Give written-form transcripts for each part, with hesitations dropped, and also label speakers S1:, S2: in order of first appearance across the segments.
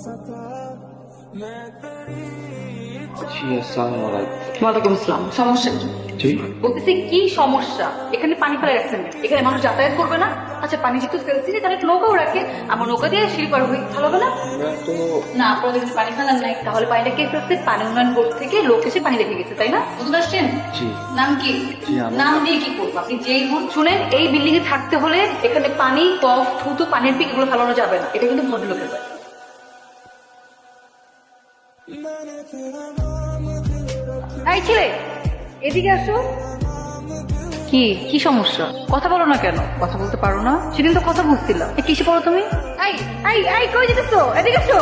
S1: ওয়ালাইকুম আসসালাম। সমস্যা কি? বলতেছি কি সমস্যা? এখানে পানি ফেলে রাখছেন, এখানে মানুষ যাতায়াত করবে না? আচ্ছা পানি যেহেতু ফেলছি তাহলে একটা নৌকাও রাখে, আমার নৌকা দিয়ে সিঁড়ি পার হই, ভালো হবে না? না আপনারা যদি পানি ফেলার নাই তাহলে পানিটা কে ফেলছে? পানি উন্নয়ন বোর্ড থেকে লোক এসে পানি রেখে গেছে, তাই না? বুঝতে পারছেন? নাম কি? নাম দিয়ে কি করবো? আপনি যেই হন শুনেন, এই বিল্ডিং এ থাকতে হলে এখানে পানি, কফ, থুতু, পানির পিক এগুলো ফেলানো যাবে না, এটা কিন্তু ভদ্রলোকের ব্যাপার। এই ছেলে এদিকে আসো। কি কি সমস্যা? কথা বলো না কেন? কথা বলতে পারো না? সেদিন তো কথা বলছিলাম, কিসে পড়ো তুমি? এই এই এই কই যেতেছো? এদিকে আসো।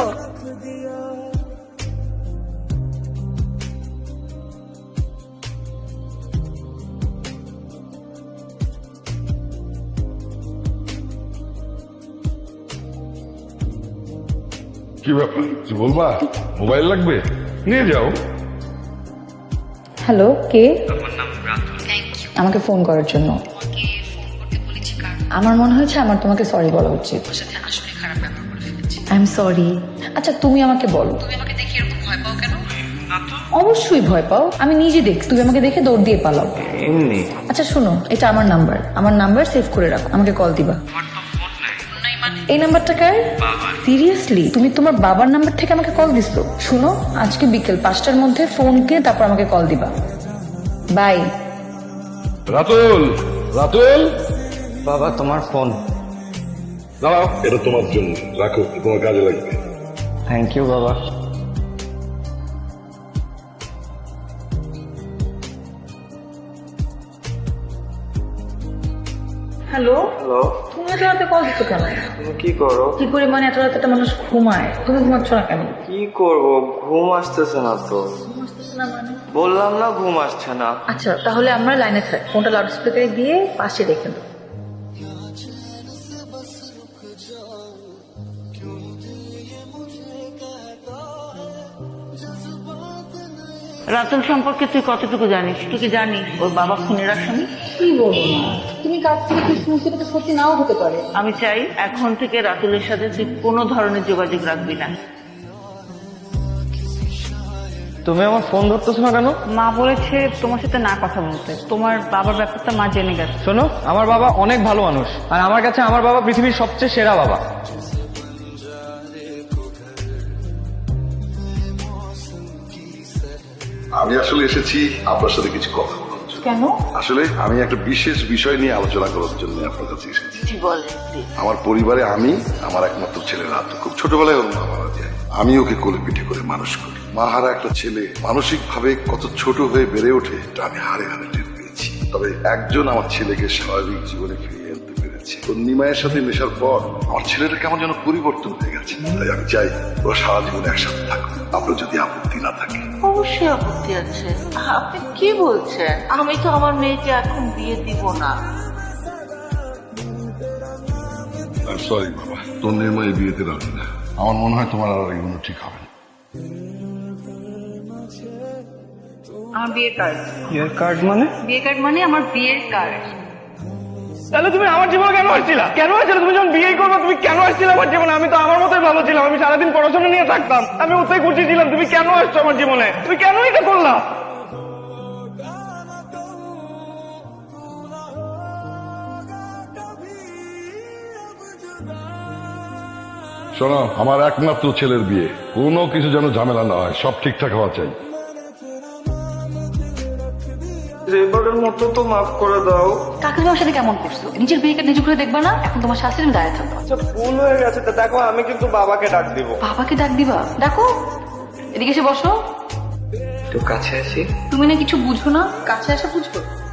S2: কি ব্যাপার কি বলবা? মোবাইল লাগবে? নিয়ে যাও।
S3: হ্যালো, কে? আমাকে ফোন করার জন্য। আমার মনে হয়েছে আমার তোমাকে সরি বলা উচিত। I am sorry. আচ্ছা তুমি আমাকে বলো, তুমি আমাকে দেখে এরকম ভয় পাও কেন? অবশ্যই ভয় পাও, আমি নিজে দেখছি তুমি আমাকে দেখে দৌড় দিয়ে পালাও এমনি। আচ্ছা শোনো, এটা আমার নাম্বার সেভ করে রাখো, আমাকে কল দিবা। এই নাম্বারটা কার? সিরিয়াসলি তুমি তোমার বাবার নাম্বার থেকে আমাকে কল দিছো? শুনো, আজকে বিকেল 5টার মধ্যে ফোন দিয়ে তারপর আমাকে কল দিবা। বাই।
S2: রাতুল, রাতুল,
S4: বাবা তোমার ফোন।
S2: দাঁড়াও, এটা তোমার জন্য, রাখো, তোমার কাজে লাগবে।
S4: থ্যাংক ইউ বাবা।
S3: হ্যালো,
S4: হ্যালো,
S3: তুমি এত রাতে কল দিচ্ছ কেন?
S4: তুমি কি করো?
S3: কি করে মানে এত রাতে একটা মানুষ ঘুমায়, তুমি ঘুমাচ্ছ না কেন?
S4: কি করব, ঘুম আসতেছে না তো। বললাম না ঘুম আসছে না।
S3: আচ্ছা তাহলে আমরা লাইনে থাকি, ফোনটা লাউড স্পিকারে দিয়ে পাশে রেখে দাও।
S5: রাতুল সম্পর্কে তুই কতটুকু জানিস? তুই কি জানিস ওর বাবা খুনের আসামি?
S1: কি বলবো না, তুমি কাছ থেকে কি শুনছো এটা তো সত্যি নাও হতে পারে।
S5: আমি চাই এখন থেকে রাতুলের সাথে তুই কোনো ধরনের যোগাযোগ রাখবি না।
S4: তুমি আমার ফোন ধরতেছো না কেন?
S5: মা বলেছে তোমার সাথে না কথা বলতে, তোমার বাবার ব্যাপারটা মা জেনে গেছে।
S4: শোনো, আমার বাবা অনেক ভালো মানুষ, আর আমার কাছে আমার বাবা পৃথিবীর সবচেয়ে সেরা বাবা।
S2: আমি আসলে এসেছি আপনার সাথে কিছু কথা বলার জন্য।
S3: কেন?
S2: আসলে আমি একটা বিশেষ বিষয় নিয়ে আলোচনা করার জন্য আপনার কাছে এসেছি।
S5: কি বলে?
S2: আমার পরিবারে আমি, আমার একমাত্র ছেলে রাত, খুব ছোটবেলায় ওর মা মারা যায়। আমি ওকে কোলে পিঠে করে মানুষ করি। মাহারা একটা ছেলে মানসিক ভাবে কত ছোট হয়ে বেড়ে ওঠে এটা আমি হাড়ে হাড়ে টের পেয়েছি। তবে একজন আমার ছেলেকে স্বাভাবিক জীবনে ফিরিয়ে আনতে পেরেছে। ওর নিমায়ের সাথে মেশার পর আমার ছেলেটা কেমন যেন পরিবর্তন হয়ে গেছে। তাই আমি চাই ও সারা জীবন একসাথে থাকুক, আপনার যদি আপত্তি না থাকে।
S5: অবশ্যই আপত্তি আছে। আপনি কি বলছেন? আমি তো আমার মেয়েকে এখন বিয়ে দিব না।
S2: সরি বাবা, তোর নির্ময় বিয়েতে রাজি না। আমার মনে হয় তোমার আর এগুলো ঠিক হবে না।
S1: আমার বিয়ের কার্ড।
S4: বিয়ের কার্ড মানে?
S1: বিয়ে কার্ড মানে আমার বিয়ের কার্ড।
S4: তাহলে তুমি আমার জীবনে কেন আসছিলা? কেন আসছিলে? তুমি যখন বিয়ে করবে তুমি কেন আসছিলে আমার জীবনে? আমি তো আমার মতোই ভালো ছিলাম, আমি সারাদিন পড়াশোনা নিয়ে থাকতাম, আমি ওতেই খুশি ছিলাম। তুমি কেন আসছো আমার জীবনে? তুমি কেন এটা করলা?
S2: শোনো, আমার একমাত্র ছেলের বিয়ে, কোনো কিছু যেন ঝামেলা না হয়, সব ঠিকঠাক হওয়া চাই।
S4: এবারের মতো তো মাফ করে দাও।
S1: কাকে তোমার সাথে কেমন করছো? নিজের বিয়ে কার্ড নিজে করে দেখবা না? এখন তোমার শাস্তি তুমি দাঁড়িয়ে থাকবা।
S4: আচ্ছা ভুল হয়ে গেছে, তো দেখো আমি কিন্তু বাবাকে ডাক দিব।
S1: বাবাকে ডাক দিবা? ডাকো, এদিকে এসে বসো।
S4: একটু কাছে আসি।
S1: তুমি না কিছু বুঝো না, কাছে আসা বুঝো।